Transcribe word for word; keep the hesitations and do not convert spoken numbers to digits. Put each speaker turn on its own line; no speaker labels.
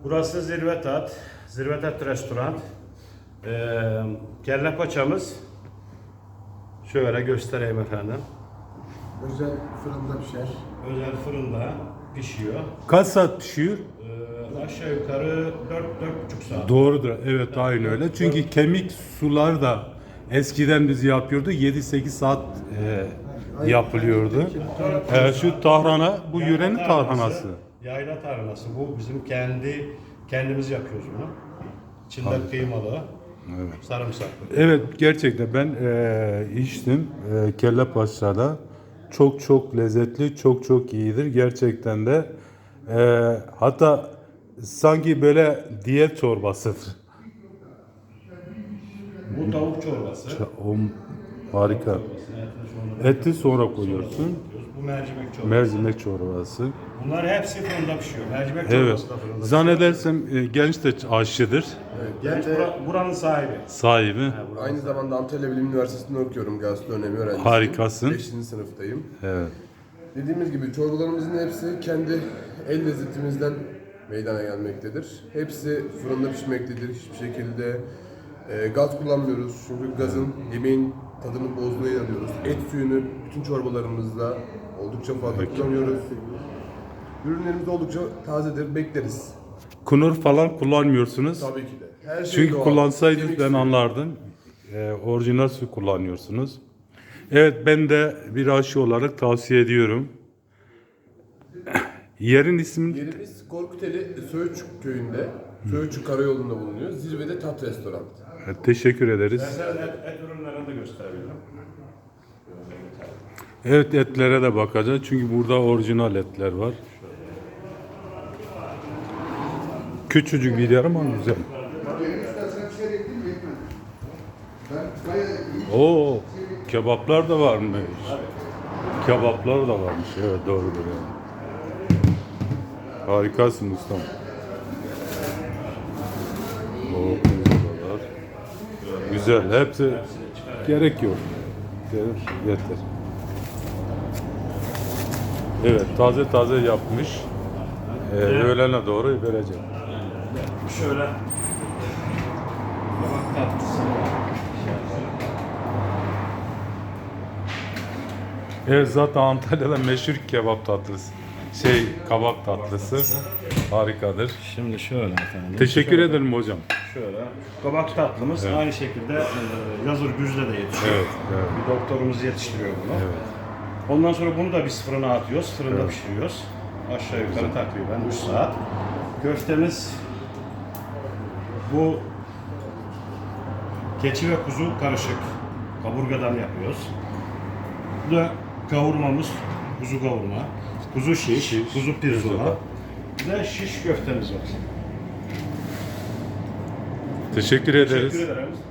Burası Zirve Tat, Zirve Tat Restoran. Ee, kelle paçamız şöyle göstereyim efendim.
Özel fırında pişer.
Özel fırında pişiyor.
Kaç saat pişiyor?
Ee, aşağı yukarı dört dört buçuk saat.
Doğrudur. Evet, aynı öyle. Çünkü kemik sular da eskiden biz yapıyordu. yedi sekiz saat e, yapılıyordu. E, şu tahrana, bu
Yayla
yörenin tarhanası.
Yayla tarhanası. Bu bizim kendi kendimiz yapıyoruz bunu. İçinde kıymalı,
Evet.
sarımsaklı.
Evet, gerçekten ben e, içtim e, kelle paçada. Çok çok lezzetli, çok çok iyidir. Gerçekten de e, hatta sanki böyle diyet çorbasıdır.
Bu tavuk çorbası.
O harika. Eti sonra koyuyorsun.
Bu mercimek çorbası.
Mercimek çorbası.
Bunlar hepsi fırında pişiyor. Mercimek
Evet.
çorbası da fırında.
Zannedersem e, genç de aşçıdır.
Genç bura- buranın sahibi.
Sahibi.
Aynı zamanda Antalya Bilim Üniversitesi'nde okuyorum. Gastronomi öğrencisiyim.
Harikasın.
beşinci sınıftayım.
Evet.
Dediğimiz gibi çorbalarımızın hepsi kendi el lezzetimizden meydana gelmektedir. Hepsi fırında pişmektedir. Hiçbir şekilde e, gaz kullanmıyoruz. Çünkü gazın yemeğin tadını bozduğuna inanıyoruz. Et suyunu bütün çorbalarımızda oldukça fazla kullanıyoruz. Ürünlerimiz oldukça tazedir, bekleriz.
Kunur falan kullanmıyorsunuz.
Tabii ki de. Her şey
Çünkü
doğal.
kullansaydınız
Kemik
ben
suyu.
anlardım. E, orijinal su kullanıyorsunuz. Evet, ben de bir aşı olarak tavsiye ediyorum. Yerin ismi
Yerimiz Korkuteli Söğütçük köyünde, Söğütçük Karayolu'nda bulunuyor. Zirvede Tat Restoran.
E, teşekkür ederiz.
Ben et, et ürünlerini de gösterebilirim.
Evet, etlere de bakacağız. Çünkü burada orijinal etler var. Küçücük bir yer ama güzel. Oo, kebaplar da varmış. Kebaplar da varmış. Evet, doğrudur yani. Harikasın ustam. Oo, pizzalar. Güzel. Hepsi gerek yok. Gerek- Yeter. Evet, taze taze yapmış. Ee, öğlene doğru vereceğim.
Şöyle kabak tatlısı.
Evet, zaten Antalya'da meşhur kebap tatlısı. Şey, kabak tatlısı. Harikadır.
Şimdi şöyle efendim.
Teşekkür ederim hocam.
Şöyle. Kabak tatlımız aynı şekilde e, Yazır Güz'de de yetişiyor.
Evet, evet.
Bir doktorumuz yetiştiriyor bunu.
Evet.
Ondan sonra bunu da biz fırına atıyoruz. Fırında pişiriyoruz. Aşağı yukarı takriben üç saat. Köftemiz bu keçi ve kuzu karışık. Kaburgadan yapıyoruz. Bu da kavurmamız kuzu kavurma. Kuzu şiş,
Şiş,
kuzu pirzola.
pirzola.
Bir de şiş köftemiz var.
Teşekkür ederiz.
Teşekkür ederim.